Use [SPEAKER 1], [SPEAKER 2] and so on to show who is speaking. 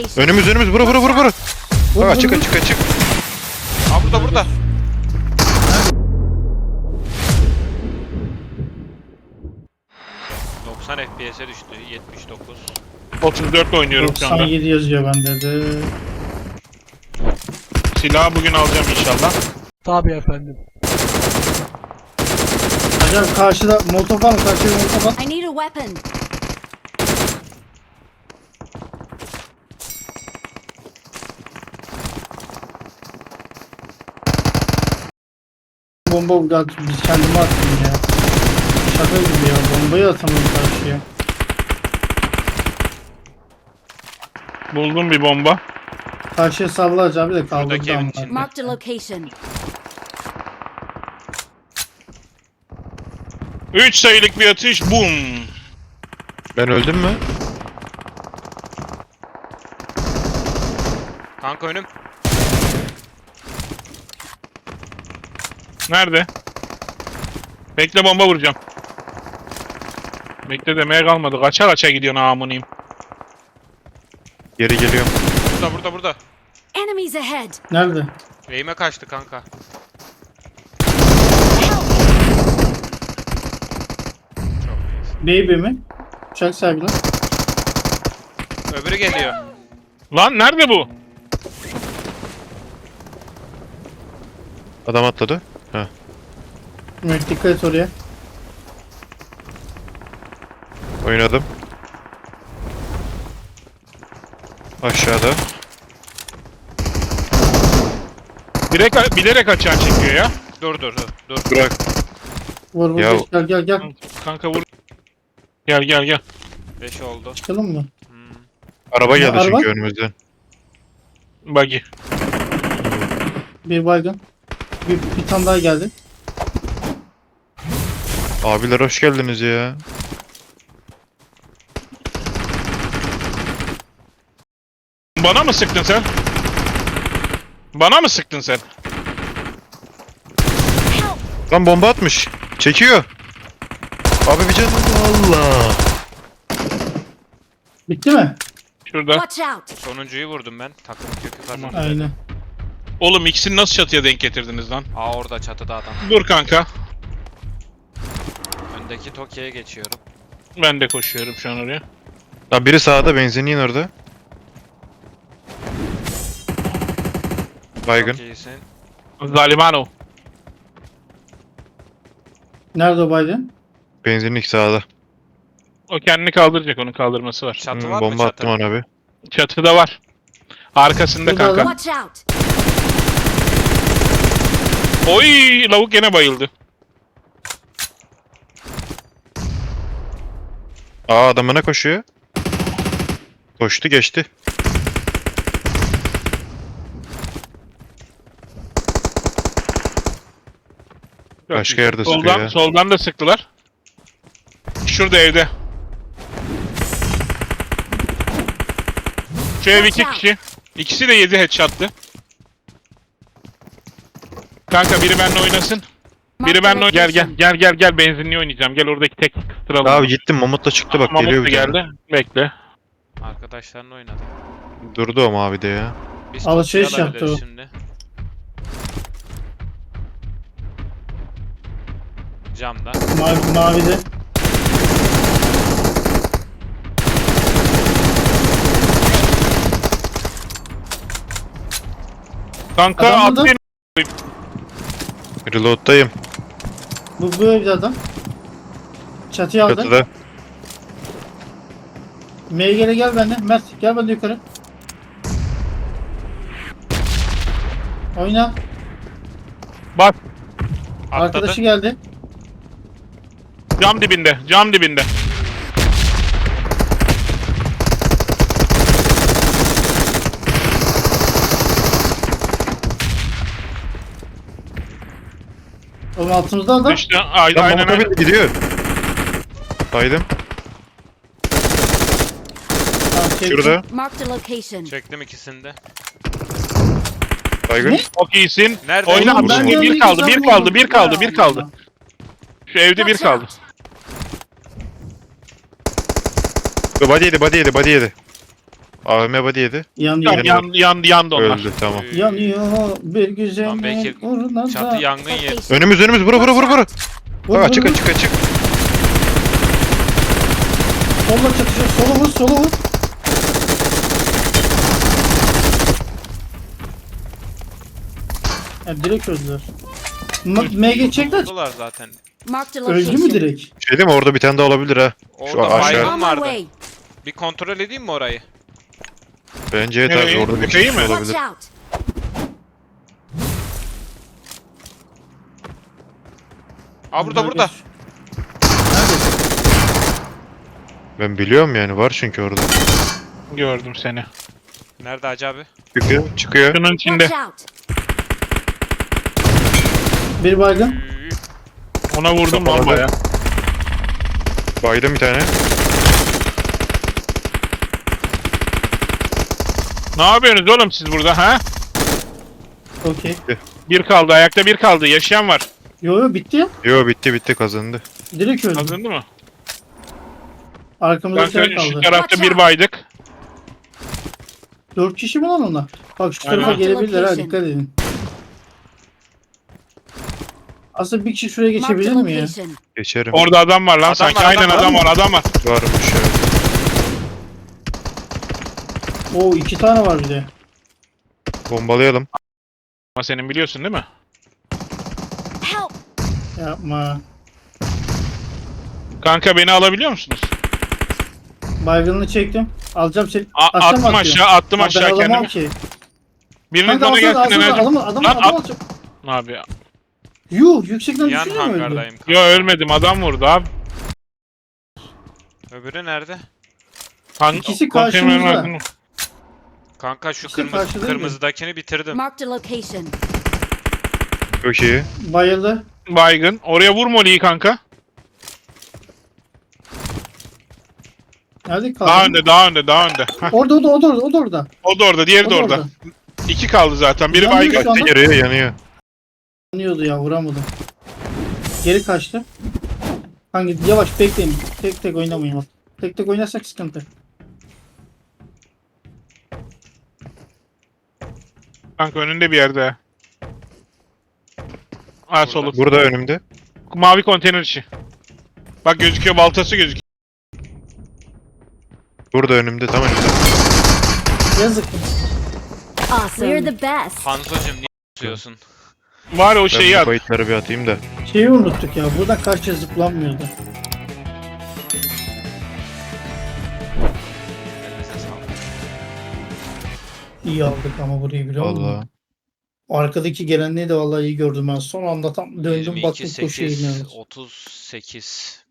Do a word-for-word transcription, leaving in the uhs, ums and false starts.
[SPEAKER 1] Önümüz önümüz vura vura vura vura.
[SPEAKER 2] Vur,
[SPEAKER 1] Aa,
[SPEAKER 2] vur,
[SPEAKER 1] açık
[SPEAKER 2] vur.
[SPEAKER 1] açık açık.
[SPEAKER 3] Aa burada burada. doksan F P S'e düştü. yetmiş dokuz.
[SPEAKER 4] otuz dört oynuyorum şu anda.
[SPEAKER 2] doksan yedi yazıyor bende de.
[SPEAKER 4] Silahı bugün alacağım inşallah.
[SPEAKER 5] Tabii efendim.
[SPEAKER 2] Acaba karşıda molotof var mı? Karşıda molotof var.
[SPEAKER 6] I need a weapon.
[SPEAKER 2] Bomba geldi. Biz kendime attım ya. Şaka gibi ya. Bombayı atamıyorum karşıya.
[SPEAKER 4] Buldum bir bomba.
[SPEAKER 2] Karşıya sallayacağım bir de
[SPEAKER 3] Buradaki
[SPEAKER 2] kaldırdı
[SPEAKER 3] evin
[SPEAKER 2] ama.
[SPEAKER 3] içinde.
[SPEAKER 6] Marked a location.
[SPEAKER 4] üç sayılık bir atış. Bum.
[SPEAKER 1] Ben öldüm mü?
[SPEAKER 3] Kanka önüm.
[SPEAKER 4] Nerede? Bekle bomba vuracağım. Bekle demeye kalmadı. Kaça kaça gidiyorsun amuniyim.
[SPEAKER 1] Geri geliyorum.
[SPEAKER 3] Burada burada burada.
[SPEAKER 6] Enemies ahead.
[SPEAKER 2] Nerede?
[SPEAKER 3] Eğime kaçtı kanka. Çok iyisin.
[SPEAKER 2] Baby mi? Uçak sahibi lan.
[SPEAKER 3] Öbürü geliyor.
[SPEAKER 4] Lan nerede bu?
[SPEAKER 1] Adam atladı. Heh.
[SPEAKER 2] Mehmet dikkat et oraya.
[SPEAKER 1] Oynadım. Aşağıda.
[SPEAKER 4] Direkt bilerek açığa çekiyor ya.
[SPEAKER 3] Dur dur dur. dur.
[SPEAKER 1] Bırak.
[SPEAKER 2] Vur vur
[SPEAKER 1] Ya-
[SPEAKER 2] geç, gel gel gel.
[SPEAKER 4] Kanka vur. Gel gel gel.
[SPEAKER 3] beş oldu.
[SPEAKER 2] Çıkalım mı?
[SPEAKER 3] Hmm.
[SPEAKER 1] Araba geldi
[SPEAKER 2] araba?
[SPEAKER 1] çünkü önümüzden.
[SPEAKER 4] Buggy.
[SPEAKER 2] Bir baygın. Bir, bir tane daha geldi.
[SPEAKER 1] Abiler hoş geldiniz ya.
[SPEAKER 4] Bana mı sıktın sen? Bana mı sıktın sen?
[SPEAKER 1] Lan bomba atmış. Çekiyor. Abi bir canım. Allah.
[SPEAKER 2] Bitti mi?
[SPEAKER 4] Şurada.
[SPEAKER 6] Watch out.
[SPEAKER 3] Sonuncuyu vurdum ben. Takım kökü kazandı.
[SPEAKER 2] Aynen.
[SPEAKER 4] Oğlum ikisini nasıl çatıya denk getirdiniz lan?
[SPEAKER 3] Aa orada çatıda adam.
[SPEAKER 4] Dur kanka.
[SPEAKER 3] Öndeki Tokyo'ya geçiyorum.
[SPEAKER 4] Ben de koşuyorum şu an oraya.
[SPEAKER 1] Lan biri sağda benzinliğin orada. Baygın.
[SPEAKER 3] Çok iyisin.
[SPEAKER 4] Zalimano.
[SPEAKER 2] Nerede o baygın?
[SPEAKER 1] Benzinlik sağda.
[SPEAKER 4] O kendini kaldıracak, onun kaldırması var.
[SPEAKER 3] Çatı
[SPEAKER 1] Hmm,
[SPEAKER 3] var mı
[SPEAKER 1] bomba
[SPEAKER 3] çatı?
[SPEAKER 1] attım ona bir.
[SPEAKER 4] Çatıda var. Arkasında
[SPEAKER 2] Burada
[SPEAKER 4] kanka.
[SPEAKER 2] adam.
[SPEAKER 6] Watch out.
[SPEAKER 4] Oy, lavuk gene bayıldı.
[SPEAKER 1] Aa adamına koşuyor. Koştu geçti.
[SPEAKER 4] Çok
[SPEAKER 1] Başka
[SPEAKER 4] iyi.
[SPEAKER 1] yerde sıkıyor
[SPEAKER 4] soldan,
[SPEAKER 1] ya.
[SPEAKER 4] Soldan da sıktılar. Şurada evde. Şu ev iki kişi. İkisi de yedi headshot'tı. Kanka biri benimle oynasın. Biri benimle oyn- gel gel gel gel gel benzinliği oynayacağım. Gel oradaki tek kıstıralım.
[SPEAKER 1] Abi gittim Mamut'la çıktı bak
[SPEAKER 4] Mamut
[SPEAKER 1] geliyor
[SPEAKER 4] da
[SPEAKER 1] bir tane.
[SPEAKER 4] geldi. Bekle.
[SPEAKER 3] Arkadaşlarla oynadı.
[SPEAKER 1] Durdu o mavi de ya.
[SPEAKER 3] Biz
[SPEAKER 2] Alışveriş
[SPEAKER 3] Tokyo'yu
[SPEAKER 2] yaptı
[SPEAKER 3] alabiliriz
[SPEAKER 2] o.
[SPEAKER 3] Şimdi. Camda.
[SPEAKER 2] Mavi, mavide.
[SPEAKER 4] Kanka
[SPEAKER 2] Adam
[SPEAKER 4] at
[SPEAKER 2] burada.
[SPEAKER 4] beni.
[SPEAKER 1] Reload'dayım.
[SPEAKER 2] Bu, bu evde adam. Çatıyı aldı.
[SPEAKER 1] Çatıda.
[SPEAKER 2] M G'le gel bende. Mert gel bende yukarı. Oyna.
[SPEAKER 4] Bak
[SPEAKER 3] Atladı.
[SPEAKER 2] Arkadaşı geldi.
[SPEAKER 4] cam dibinde. Cam dibinde.
[SPEAKER 2] Oğlum altımızda adam.
[SPEAKER 4] İşte ay-
[SPEAKER 1] Lan
[SPEAKER 4] aynen
[SPEAKER 1] Mamut'a
[SPEAKER 4] aynen.
[SPEAKER 1] bindi gidiyor. Baydım.
[SPEAKER 2] Tamam, çektim.
[SPEAKER 1] Şurada.
[SPEAKER 6] Marked a location.
[SPEAKER 3] Çektim ikisini de.
[SPEAKER 1] Baygın.
[SPEAKER 2] Ne?
[SPEAKER 4] Çok iyisin.
[SPEAKER 1] Nerede?
[SPEAKER 4] Oyna
[SPEAKER 1] Oğlum,
[SPEAKER 4] atış.
[SPEAKER 1] ben
[SPEAKER 4] Bir,
[SPEAKER 2] de
[SPEAKER 4] bir
[SPEAKER 2] öyle
[SPEAKER 4] kaldı, bir
[SPEAKER 2] güzel
[SPEAKER 4] kaldı,
[SPEAKER 2] buldum.
[SPEAKER 4] bir kaldı, bir
[SPEAKER 2] Ya
[SPEAKER 4] kaldı.
[SPEAKER 2] Allah.
[SPEAKER 4] Şu evde bir
[SPEAKER 6] Watch
[SPEAKER 4] kaldı.
[SPEAKER 6] out.
[SPEAKER 1] Body yedi body yedi body yedi. A V M body yedi.
[SPEAKER 2] Yanıyor.
[SPEAKER 4] Yan, yan, yan, yandı onlar.
[SPEAKER 1] Öldü tamam.
[SPEAKER 3] Ee,
[SPEAKER 2] Yanıyor bir
[SPEAKER 3] Lan
[SPEAKER 2] güzel
[SPEAKER 3] belki
[SPEAKER 2] uğruna da.
[SPEAKER 3] Çatı yangın yeri.
[SPEAKER 6] Location.
[SPEAKER 1] Önümüz önümüz vuru vuru vuru vuru.
[SPEAKER 2] Vur,
[SPEAKER 1] Bak açık
[SPEAKER 2] vur, vur.
[SPEAKER 1] açık açık.
[SPEAKER 2] Solla çatışıyor. Sola vur sola vur. Ya direkt öldüler. M M geçecekler.
[SPEAKER 3] Vurdular zaten.
[SPEAKER 6] Marked a
[SPEAKER 2] Öldü mü
[SPEAKER 6] location.
[SPEAKER 2] direkt?
[SPEAKER 1] Şey değil mi orada bir tane daha olabilir ha.
[SPEAKER 3] Orada
[SPEAKER 1] aşağı.
[SPEAKER 3] baygın
[SPEAKER 6] On my
[SPEAKER 3] vardı.
[SPEAKER 6] way.
[SPEAKER 3] Bir kontrol edeyim mi orayı?
[SPEAKER 1] Bence evet
[SPEAKER 4] Nereye?
[SPEAKER 1] abi orada bir
[SPEAKER 4] Tepeyi
[SPEAKER 1] kişi
[SPEAKER 4] mi?
[SPEAKER 6] Watch
[SPEAKER 1] olabilir.
[SPEAKER 6] out.
[SPEAKER 3] Aa burada burada.
[SPEAKER 2] Nerede?
[SPEAKER 1] Ben biliyorum yani var çünkü orada.
[SPEAKER 4] Gördüm seni.
[SPEAKER 3] Nerede Hacı abi?
[SPEAKER 1] Çıkıyor çıkıyor.
[SPEAKER 4] Şunun içinde.
[SPEAKER 6] Watch out.
[SPEAKER 2] Bir baygın.
[SPEAKER 3] Üü,
[SPEAKER 4] Ona vurdum lan
[SPEAKER 1] Kapalı.
[SPEAKER 4] baya.
[SPEAKER 1] Baydım bir tane.
[SPEAKER 4] Ne yapıyorsunuz oğlum siz burada ha?
[SPEAKER 2] Okey.
[SPEAKER 4] Bir kaldı, ayakta bir kaldı. Yaşayan var.
[SPEAKER 2] Yo yo bitti ya.
[SPEAKER 1] Yo bitti bitti kazandı.
[SPEAKER 2] Direkt öldü.
[SPEAKER 4] Kazandı mı?
[SPEAKER 2] Arkamızda
[SPEAKER 4] Kanka
[SPEAKER 2] şey
[SPEAKER 4] şu
[SPEAKER 2] kaldı.
[SPEAKER 4] tarafta
[SPEAKER 6] Watch
[SPEAKER 4] bir
[SPEAKER 6] out.
[SPEAKER 4] baydık.
[SPEAKER 2] Dört kişi mi lan onlar? Bak şu tarafa
[SPEAKER 4] Aynen.
[SPEAKER 2] gelebilirler ha
[SPEAKER 6] Location.
[SPEAKER 2] dikkat edin. Aslında bir kişi şuraya
[SPEAKER 6] Marked a
[SPEAKER 2] geçebilir mi ya?
[SPEAKER 6] location.
[SPEAKER 1] Geçerim.
[SPEAKER 4] Orada adam var lan
[SPEAKER 3] Adam
[SPEAKER 4] sanki.
[SPEAKER 3] var,
[SPEAKER 4] Aynen
[SPEAKER 3] adam
[SPEAKER 4] adam
[SPEAKER 2] var.
[SPEAKER 4] var, adam var.
[SPEAKER 1] Varmış evet.
[SPEAKER 2] Oo iki tane var bir de.
[SPEAKER 1] Bombalayalım.
[SPEAKER 4] Ama senin biliyorsun değil mi?
[SPEAKER 6] Help.
[SPEAKER 2] Yapma.
[SPEAKER 4] Kanka beni alabiliyor musunuz?
[SPEAKER 2] Baygınını çektim. Alacağım seni.
[SPEAKER 4] A-
[SPEAKER 2] Aşağı mı
[SPEAKER 4] attım
[SPEAKER 2] atıyor?
[SPEAKER 4] aşağı, attım
[SPEAKER 2] Ha,
[SPEAKER 4] aşağı
[SPEAKER 2] ben alamam
[SPEAKER 4] kendimi.
[SPEAKER 2] ki.
[SPEAKER 4] Biriniz
[SPEAKER 2] Kanka
[SPEAKER 4] bana
[SPEAKER 2] alsana
[SPEAKER 4] gelsin
[SPEAKER 2] alsana
[SPEAKER 4] enerjim.
[SPEAKER 2] adam adam
[SPEAKER 4] Lan
[SPEAKER 2] adam
[SPEAKER 4] at.
[SPEAKER 2] atacak.
[SPEAKER 4] Abi ya.
[SPEAKER 2] Yuh yüksekten
[SPEAKER 3] Yan
[SPEAKER 2] düşünüyor mu öldü?
[SPEAKER 3] hangardayım.
[SPEAKER 4] Yo ölmedim, adam vurdu abi.
[SPEAKER 3] Öbürü nerede?
[SPEAKER 4] Kanka,
[SPEAKER 2] İkisi
[SPEAKER 4] konteynerin
[SPEAKER 2] karşımızda.
[SPEAKER 4] ardında.
[SPEAKER 3] Kanka şu
[SPEAKER 2] İşte
[SPEAKER 3] kırmızı
[SPEAKER 2] karşıdaydı.
[SPEAKER 3] kırmızıdakini bitirdim.
[SPEAKER 6] Marked a location.
[SPEAKER 1] Çok iyi.
[SPEAKER 2] Bayıldı.
[SPEAKER 4] Baygın. Oraya vur Molly'yi kanka.
[SPEAKER 2] Nerede kaldı?
[SPEAKER 4] Daha önde, daha önde, daha önde. Hah,
[SPEAKER 2] Orada o da o da orada o da orada.
[SPEAKER 4] o da orada, diğeri
[SPEAKER 2] O
[SPEAKER 4] de
[SPEAKER 2] da
[SPEAKER 4] orada.
[SPEAKER 2] orada.
[SPEAKER 4] İki kaldı zaten. Biri
[SPEAKER 2] Yanıyor
[SPEAKER 4] baygın.
[SPEAKER 2] şu anda.
[SPEAKER 1] Yanıyor yanıyor.
[SPEAKER 2] Yanıyordu ya vuramadım. Geri kaçtı. Hangi yavaş bekleyin. Tek tek oynamayın bak. Tek tek oynarsak sıkıntı.
[SPEAKER 4] Kanka önünde bir yerde. Ha solu.
[SPEAKER 1] Burada önümde.
[SPEAKER 4] Mavi konteyner içi. Bak gözüküyor, baltası gözüküyor.
[SPEAKER 1] Burada önümde tam önümde.
[SPEAKER 2] Yazık.
[SPEAKER 6] Awesome. We're the best.
[SPEAKER 3] Hanzo'cum niye tutuyorsun?
[SPEAKER 4] Var ya o
[SPEAKER 1] Ben
[SPEAKER 4] şeyi
[SPEAKER 1] bu
[SPEAKER 4] at.
[SPEAKER 1] bayitleri bir atayım da.
[SPEAKER 2] Şeyi unuttuk ya. Buradan karşıya zıplanmıyordu.
[SPEAKER 3] Elinize sağlık.
[SPEAKER 2] İyi aldık ama burayı biliyor musun?
[SPEAKER 1] Vallahi.
[SPEAKER 2] Arkadaki gelenliği de vallahi iyi gördüm ben. Son anda tam döndüm
[SPEAKER 3] yirmi iki
[SPEAKER 2] baktım koşuya
[SPEAKER 3] sekiz
[SPEAKER 2] iniyoruz.
[SPEAKER 3] otuz sekiz